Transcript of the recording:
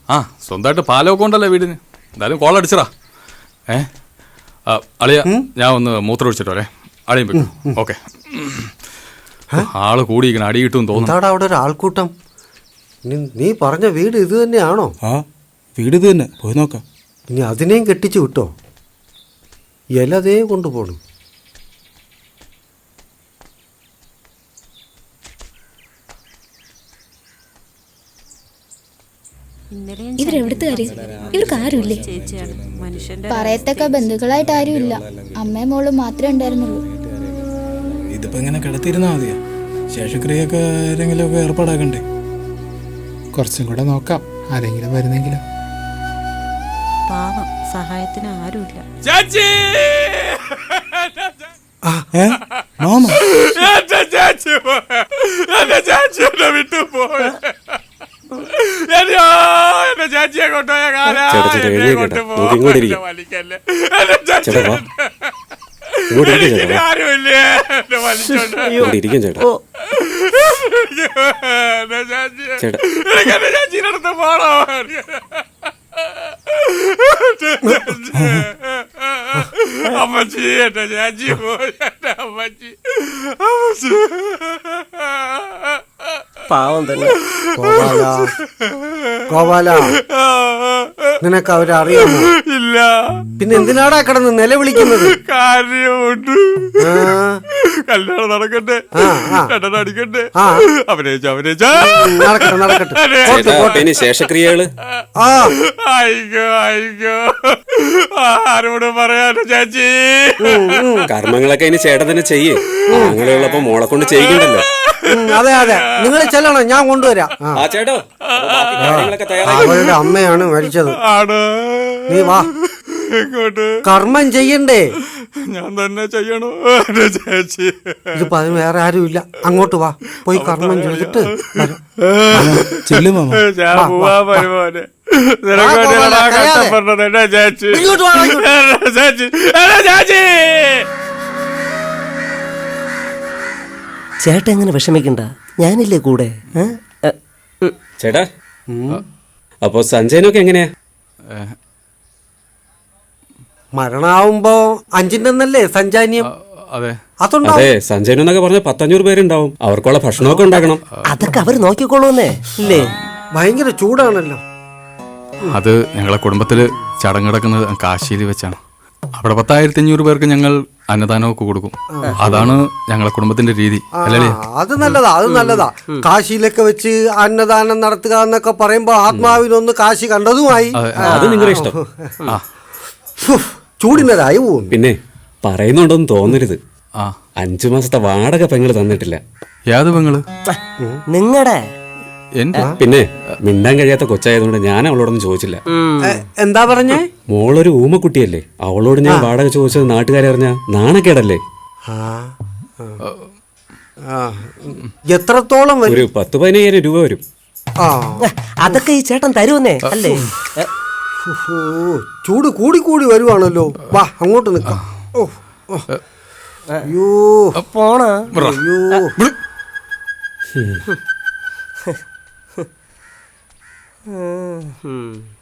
ആ സ്വന്തമായിട്ട് പാലമൊക്കെ ഉണ്ടല്ലോ വീടിന്. എന്തായാലും കോൾ അടിച്ചടാ. അളിയ ഞാൻ ഒന്ന് മൂത്രം ഒഴിച്ചിട്ടോ അല്ലേ? അളിയും വെക്കും. ഓക്കെ. ആള് കൂടിയിരിക്കണം, അടി കിട്ടും തോന്നുന്നു. അവിടെ ഒരു ആൾക്കൂട്ടം. നീ പറഞ്ഞ വീട് ഇത് തന്നെയാണോ? ആ വീട് ഇത് തന്നെ, പോയി നോക്കാം. ഇനി അതിനെയും കെട്ടിച്ചു വിട്ടോ? ഇലതേ കൊണ്ടുപോണു. ഇവരെവിടുത്തെ കാര്യം? ഇവർക്ക് ആരുമില്ലേ? പറയത്തക്ക ബന്ധുക്കളായിട്ട് ആരുമില്ല. അമ്മയും മോളും മാത്രമേ ഉണ്ടായിരുന്നുള്ളൂ. ഇതിപ്പോ ഇങ്ങനെ കിടത്തിയിരുന്നാ മതിയാ? ശേഷക്രിയൊക്കെ ആരെങ്കിലും ഒക്കെ ഏർപ്പാടാക്കണ്ടേ? കുറച്ചും കൂടെ നോക്കാം, ആരെങ്കിലും വരുന്നെങ്കിലും. പാവം, സഹായത്തിന് ആരുമില്ല. ചാച്ചിയെ കൊണ്ടുപോയ ചാച്ചിനടുത്ത് പോണോ? അമ്മച്ചി എന്റെ ചാച്ചി പോയി. അമ്മച്ചി പാവം തന്നെ. ഗോപാല, നിനക്ക് അവരെ അറിയാമോ? ഇല്ല. പിന്നെ എന്തിനാടാ കിടന്ന് നിലവിളിക്കുന്നത്? കാര്യമുണ്ട്. കല്യാണം നടക്കട്ടെ, അടിക്കട്ടെ. നടക്കട്ടെ. ശേഷക്രിയകള് ആരോട് പറയാനോ ചാച്ചി? കർമ്മങ്ങളൊക്കെ ഇനി ചേട്ടൻ തന്നെ ചെയ്യേ. അങ്ങനെയുള്ളപ്പോ മോളെ കൊണ്ട് ചെയ്യിക്കണ്ടല്ലോ. അതെ അതെ, നിങ്ങൾ ചെല്ലണം, ഞാൻ കൊണ്ടുവരാം. അവളുടെ അമ്മയാണ് മരിച്ചത്. നീ വാ, കർമ്മം ചെയ്യണ്ടേ? ഞാൻ തന്നെ ചെയ്യണോ ചേച്ചി? ഇതിപ്പോ അതിന് വേറെ ആരും ഇല്ല. അങ്ങോട്ട് വാ, പോയി കർമ്മം ചെയ്തിട്ട് ചേട്ടാ എങ്ങനെ വിഷമിക്കണ്ട, ഞാനില്ലേ കൂടെ. ചേട്ടാ, അപ്പൊ സഞ്ജയനൊക്കെ എങ്ങനെയാ? മരണാവുമ്പോ 5-ന്നല്ലേ സഞ്ചാന്യം? അതെ, സഞ്ജയനെന്നൊക്കെ പറഞ്ഞ 500 പേരുണ്ടാവും. അവർക്കുള്ള ഭക്ഷണമൊക്കെ ഉണ്ടാക്കണം. അതൊക്കെ അവര് നോക്കിക്കോളൂന്നേ ഇല്ലേ? ഭയങ്കര ചൂടാണല്ലോ. അത് ഞങ്ങളെ കുടുംബത്തില് ചടങ്ങ് നടക്കുന്നത് കാശിയിൽ വെച്ചാണ്. അവിടെ 10,500 പേർക്ക് ഞങ്ങൾ അന്നദാനമൊക്കെ കൊടുക്കും. അതാണ് ഞങ്ങളെ കുടുംബത്തിന്റെ രീതി. അല്ലേ? അത് നല്ലതാ, അത് നല്ലതാ. കാശിയിലൊക്കെ വെച്ച് അന്നദാനം നടത്തുക എന്നൊക്കെ പറയുമ്പോ ആത്മാവിനൊന്ന് കാശി കണ്ടതുമായി. അത് നിങ്ങളുടെ ഇഷ്ടം. ചൂടിനതായി പോവും. പിന്നെ പറയുന്നുണ്ടോന്ന് തോന്നരുത്, 5 മാസത്തെ വാടക പെങ്ങള് തന്നിട്ടില്ല. യാത് പെങ്ങള്? നിങ്ങടെ. പിന്നെ മിണ്ടാൻ കഴിയാത്ത കൊച്ചായതുകൊണ്ട് ഞാൻ അവളോടൊന്നും ചോദിച്ചില്ല. എന്താ പറഞ്ഞേ? മോളൊരു ഊമക്കുട്ടിയല്ലേ, അവളോട് ഞാൻ വാടക ചോദിച്ചത് നാട്ടുകാരെ അറിഞ്ഞാ നാണക്കേടല്ലേ? എത്രത്തോളം? ഒരു 10-15,000 രൂപ വരും. അതൊക്കെ ഈ ചേട്ടൻ തരുമെന്നേ അല്ലേ? ചൂട് കൂടി കൂടി വരുവാണല്ലോ. വാ, അങ്ങോട്ട് നിൽക്കാം. അയ്യോ പോണ. അയ്യോ